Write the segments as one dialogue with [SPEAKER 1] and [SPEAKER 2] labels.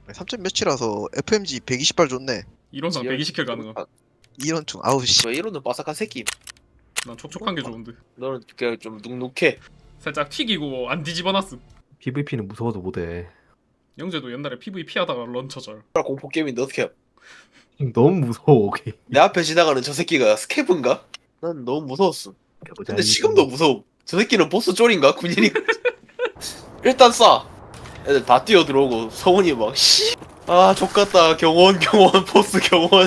[SPEAKER 1] 3점 몇이라서 FMG 120발 좋네.
[SPEAKER 2] 이론상 120킬 가능함.
[SPEAKER 1] 이런 중 아우 씨.
[SPEAKER 3] 왜 이러는 바삭한 새끼.
[SPEAKER 2] 난 촉촉한 게 좋은데.
[SPEAKER 3] 너는 그냥 좀 눅눅해.
[SPEAKER 2] 살짝 튀기고 안 뒤집어놨음.
[SPEAKER 4] PVP는 무서워도 못해.
[SPEAKER 2] 영재도 옛날에 PVP 하다가 런처절.
[SPEAKER 3] 공포 게임인데 어떻게 해?
[SPEAKER 4] 너무 무서워. 오케이.
[SPEAKER 3] 내 앞에 지나가는 저 새끼가 스케브인가? 난 너무 무서웠어. 근데 지금도 무서워. 저 새끼는 보스 쫄인가? 군인이. 일단 쏴. 애들 다 뛰어 들어오고 성훈이 막 씨. 아 족같다. 경원 보스 경원.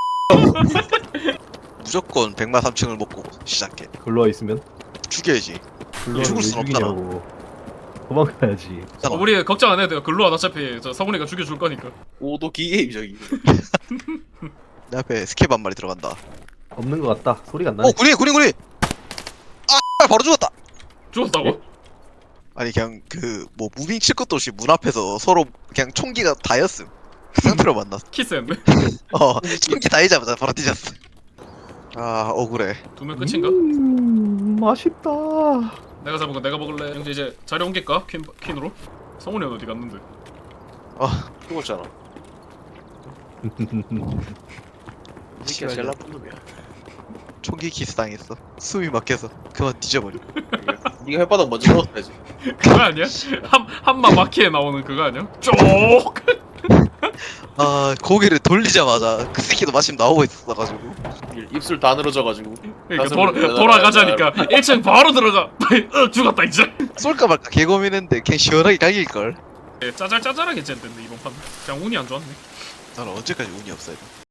[SPEAKER 1] 무조건 100만 3층을 먹고 시작해.
[SPEAKER 4] 글로와 있으면
[SPEAKER 1] 죽여야지.
[SPEAKER 4] 글로와
[SPEAKER 1] 죽을 순 없잖아.
[SPEAKER 4] 도망가야지.
[SPEAKER 2] 우리 걱정 안 해도 돼요. 글로와 어차피 저 성훈이가 죽여줄 거니까.
[SPEAKER 3] 오도 기게임 저기.
[SPEAKER 1] 내 앞에 스케브 한 마리 들어간다.
[SPEAKER 4] 없는 것 같다. 소리가 안 나네.
[SPEAKER 1] 군인. 아 바로 죽었다.
[SPEAKER 2] 죽었다고?
[SPEAKER 1] 아니 그냥 그 뭐 무빙 칠 것도 없이 문 앞에서 서로 그냥 총기가 다였음. 그 상태로 만났어.
[SPEAKER 2] 키스했네.
[SPEAKER 1] 총기 다이자마자 바로 뒤졌어. 아 억울해.
[SPEAKER 2] 두 명 끝인가?
[SPEAKER 4] 맛있다.
[SPEAKER 2] 내가 잡은 거 내가 먹을래. 영재 이제 자리 옮길까? 퀸으로? 성훈이 어디 갔는데?
[SPEAKER 3] 죽었잖아. 이 새끼가 제일 나쁜 놈이야.
[SPEAKER 1] 총기 키스 당했어. 숨이 막혀서 그만 뒤져버려.
[SPEAKER 3] 네가 혓바닥 먼저 넣었어야지.
[SPEAKER 2] 그거 아니야? 한마 마키에 나오는 그거 아니야? 쪽!
[SPEAKER 1] 아 고개를 돌리자마자 그 새끼도 마침 나오고 있었어가지고.
[SPEAKER 3] 입술 다 늘어져가지고.
[SPEAKER 2] 그러니까
[SPEAKER 3] 가슴을
[SPEAKER 2] 돌아가자니까 1층 바로 들어가. 죽었다 이제.
[SPEAKER 1] 쏠까 말까 개고민했는데 그냥 시원하게 갈길걸.
[SPEAKER 2] 짜잘짜잘하게 쨌는데 이번 판. 그냥 운이 안 좋았네.
[SPEAKER 1] 나는 언제까지 운이 없어야 돼.